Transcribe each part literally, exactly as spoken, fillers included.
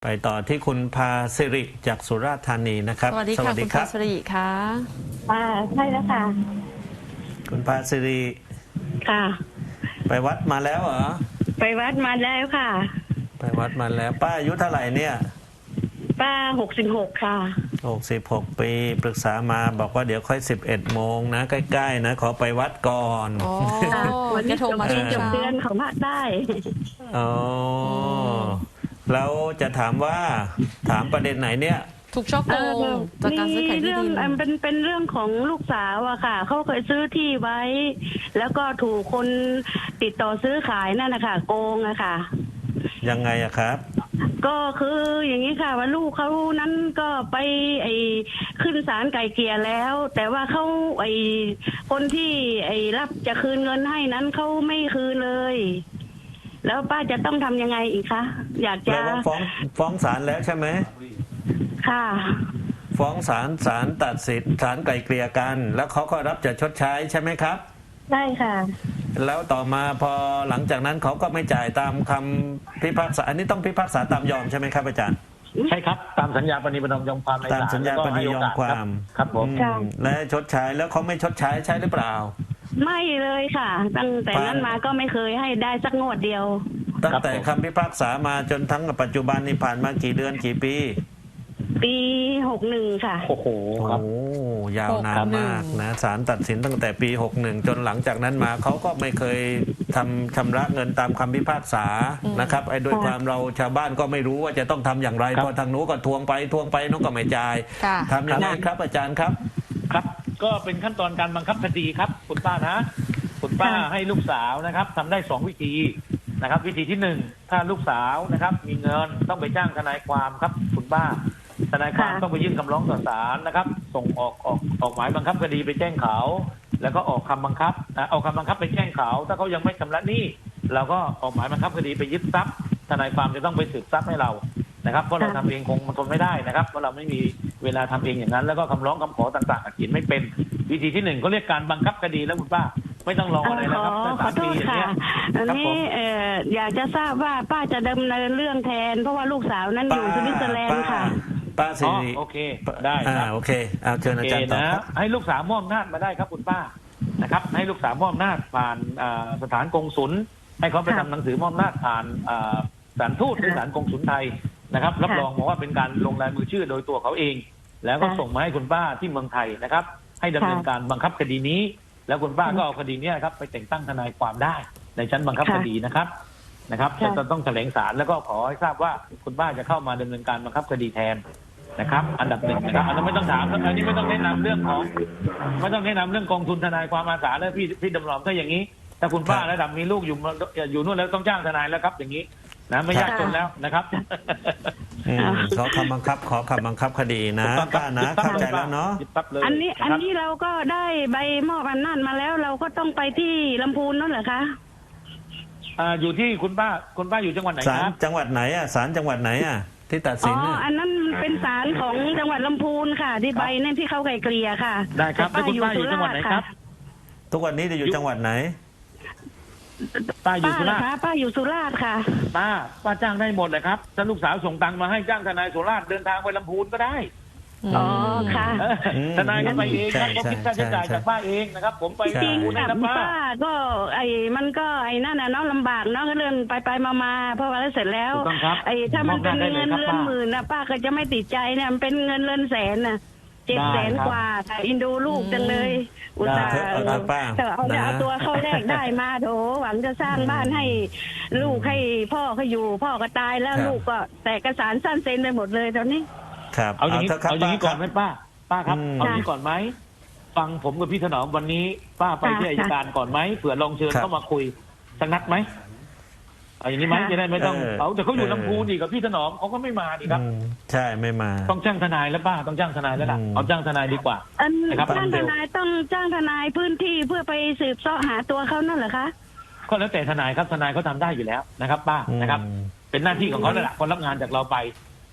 ไปต่อที่คุณพาสิริจากสุราษฎร์ธานีนะครับสวัสดีค่ะคุณพาสิริค่ะอ่าใช่แล้วค่ะคุณพาสิริค่ะไปวัดมาแล้วเหรอไปวัดมาแล้วค่ะไปวัดมาแล้วป้าอายุเท่าไหร่เนี่ยป้าหกสิบหกค่ะหกสิบหกปีปรึกษามาบอกว่าเดี๋ยวค่อยสิบเอ็ดโมงนะใกล้ๆนะขอไปวัดก่อนอ๋อวันนี้โทรมาช่วงเช้าเดือนของภาคใต้อ๋อแล้วจะถามว่าถามประเด็นไหนเนี่ยถูกช่อโกงจากการซื้อขายที่ดินเป็นเป็นเรื่องของลูกสาวอะค่ะเขาเคยซื้อที่ไว้แล้วก็ถูกคนติดต่อซื้อขายนั่นนะคะโกงอะค่ะยังไงอะครับก็คืออย่างนี้ค่ะว่าลูกเขานั้นก็ไปไอ้ขึ้นศาลไกลเกลี่ยแล้วแต่ว่าเขาไอ้คนที่ไอ้รับจะคืนเงินให้นั้นเขาไม่คืนเลยแล้วป้าจะต้องทำยังไงอีกคะอยากจะฟ้องฟ้องศาลแล้วใช่ไหมค่ะฟ้องศาลศาลตัดสินศาลไกลเกลี่ยกันแล้วเขาก็รับจะชดใช้ใช่ไหมครับใช่ค่ะแล้วต่อมาพอหลังจากนั้นเขาก็ไม่จ่ายตามคำพิพากษาอันนี้ต้องพิพากษาตามยอมใช่ไหมครับอาจารย์ใช่ครับตามสัญญาปณีประนอมยอมความในศาลตามสัญญาปณียอมความครับผมและชดใช้แล้วเขาไม่ชดใช้ใช่หรือเปล่าไม่เลยค่ะตั้งแต่นั้นมาก็ไม่เคยให้ได้สักงวดเดียวตั้งแต่คำพิพากษามาจนทั้งปัจจุบันนี้ผ่านมากี่เดือนกี่ปีปีหกหนึ่งค่ะโอ้โหครับโอ้ยาวนานมากนะศาลตัดสินตั้งแต่ปีหกหนึ่งจนหลังจากนั้นมาเขาก็ไม่เคยทำชำระเงินตามคำพิพากษานะครับไอ้ด้วยความเราชาวบ้านก็ไม่รู้ว่าจะต้องทำอย่างไรพอทางนู้นก็ทวงไปทวงไปนู้นก็ไม่จ่ายทำอย่างไรครับอาจารย์ครับครับก็เป็นขั้นตอนการบังคับคดีครับคุณป้านะคุณป้าให้ลูกสาวนะครับทำได้สองวิธีนะครับวิธีที่หนึ่งถ้าลูกสาวนะครับมีเงินต้องไปจ้างทนายความครับคุณป้าทนายความต้องไปยื่นคำร้องต่อศาลนะครับส่งออกออกออกหมายบังคับคดีไปแจ้งเขาแล้วก็ออกคำบังคับเอาคำบังคับไปแจ้งเขาถ้าเขายังไม่ชำระหนี้เราก็ออกหมายบังคับคดีไปยึดทรัพย์ทนายความจะต้องไปสืบทรัพย์ให้เรานะครับเพราะเราทำเองคงมันทนไม่ได้นะครับเพราะเราไม่มีเวลาทำเองอย่างนั้นแล้วก็คำร้องคำขอต่างๆเขียนไม่เป็นวิธีที่หนึ่งก็เรียกการบังคับคดีแล้วคุณป้าไม่ต้องรออะไรนะครับขอโทษค่ะอันนี้อยากจะทราบว่าป้าจะดำเนินเรื่องแทนเพราะว่าลูกสาวนั้นอยู่สวิตเซอร์แลนด์ค่ะป้าสิริโอเคได้ครับโอเคเอาเชิญอาจารย์ต่อครับให้ลูกสาวมอบอำนาจมาได้ครับคุณป้านะครับให้ลูกสาวมอบอำนาจผ่านสถานกงศุลให้เขาไปทำหนังสือมอบอำนาจผ่านศาลทูตหรือศาลกงศุลไทยนะครับรับรองบอกว่าเป็นการลงลายมือชื่อโดยตัวเขาเองแล้วก็ส่งมาให้คุณป้าที่เมืองไทยนะครับให้ดำเนินการบังคับคดีนี้แล้วคุณป้าก็เอาคดีนี้ครับไปแต่งตั้งทนายความได้ในชั้นบังคับคดีนะครับนะครับจะต้องแถลงศาลแล้วก็ขอให้ทราบว่าคุณป้าจะเข้ามาดำเนินการบังคับคดีแทนนะครับอันดับหนึ่งนะครับอันนั้นไม่ต้องถามอันนี้ไม่ต้องแนะนำเรื่องของไม่ต้องแนะนำเรื่องกองทุนทนายความอาสาแล้วพี่พี่ดำรงถ้าอย่างนี้ถ้าคุณป้าระดับมีลูกอยู่อยู่นู่นแล้วต้องจ้างทนายแล้วครับอย่างนี้นะไม่ยากจนแล้วนะครับเขาคำบังคับขอคำบังคับคดีนะป้านะเข้าใจแล้วเนาะอันนี้อันนี้เราก็ได้ใบมอบอำนาจมาแล้วเราก็ต้องไปที่ลำพูนนั่นเหรอคะอ่าอยู่ที่คุณป้าคุณป้าอยู่จังหวัดไหนครับจังหวัดไหนอ่ะศาลจังหวัดไหนอ่ะที่ตัดสินอ๋ออันนั้นเป็นศาลของจังหวัดลำพูนค่ะที่ใบนั่นที่เขาไกลเกลี่ยค่ะได้ครับแล้วคุณป้าอยู่จังหวัดไหนครับทุกวันนี้จะอยู่จังหวัดไหนป้าอยู่สุราษฎร์ป้าอยู่สุราษฎร์ค่ะป้าป้าจ้างได้หมดเลยครับถ้าลูกสาวส่งตังค์มาให้จ้างทนายสุราษฎร์เดินทางไปลำพูนก็ได้อ๋อค่ะทนายก็ไปเองครับผมคิดค่าใช้จ่ายจากป้าเองนะครับผมไปจริงค่ะป้าก็ไอ้มันก็ไอ้นั่นน่ะเนาะลำบากเนาะก็เรื่องไปไปมาๆเพราะว่าเสร็จแล้วไอ้ถ้ามันเป็นเงินเรือนหมื่นนะป้าก็จะไม่ติดใจเนี่ยมันเป็นเงินเรือนแสนน่ะเจ็ดแสนกว่าแต่อินดูลูกจังเลยอุตส่าห์แต่เอาเอาตัวเข้าแรกได้มาโถหวังจะสร้างบ้านให้ลูกให้พ่อเขาอยู่พ่อก็ตายแล้วลูกก็แต่เอกสารสั้นเซ็นไปหมดเลยตอนนี้ครับเอาอย่างนี้เอาอย่างนี้ก่อนไหมป้าป้าครับเอาอย่างนี้ก่อนไหมฟังผมกับพี่ถนอมวันนี้ป้าไปที่อัยการก่อนไหมเผื่อลองเชิญเข้ามาคุยสักนัดไหมเอาอย่างนี้ไหมจะได้ไม่ต้องเอาแต่เขาอยู่ลำพูนอีกกับพี่ถนอมเขาก็ไม่มาดีครับใช่ไม่มาต้องจ้างทนายแล้วป้าต้องจ้างทนายแล้วล่ะเอาจ้างทนายดีกว่านะครับจ้างทนายต้องจ้างทนายพื้นที่เพื่อไปสืบเสาะหาตัวเขานั่นเหรอคะก็แล้วแต่ทนายครับทนายเขาทาได้อยู่แล้วนะครับป้านะครับเป็นหน้าที่ของเขาแหละคนรับงานจากเราไป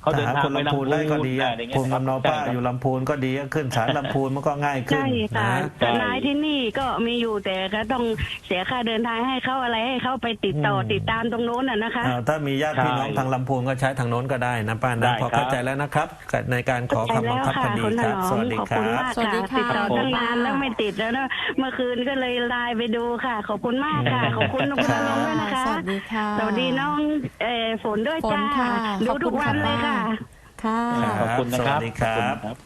เขาเดินถ้าหาทางคนไปลำพูนลำพูนได้ก็ดีอะอะไรเงี้ยภูมิลำเนาป้าใช่ครับอยู่ลำพูนก็ดีก็ขึ้นศาลลำพูนมันก็ง่ายขึ้นใช่ค่ะนะทนายที่นี่ก็มีอยู่แต่ก็ต้องเสียค่าเดินทางให้เขาอะไรให้เขาไปติดต่ออืมติดตามตรงโน้นอ่ะนะคะอ่าถ้ามีญาติพี่น้องใช่ทางลำพูนก็ใช้ทางโน้นก็ได้นะป้าได้นะพอครับเข้าใจแล้วนะครับในการขอเข้าใจคำบังคับคดีแล้วค่ะครับคุณถนอมสวัสดีขอบคคุณรับมากสวัสดีค่ะค่ะติดต่อตั้งนานค่ะแล้วไม่ติดแล้วนะเมื่อคืนก็เลยไลน์ไปดูค่ะ ขอบคุณมากค่ะ ขอบคุณคุณนรงค์ด้วยนะคะสวัสดีค่ะสวัสดีน้องเอ่อฝนด้วยฝนจ้าค่ะดูขอบคุณทุกวันเลยค่ะค่ะค่ะขอบคุณนะครับสวัสดีครับขอบคุณครับ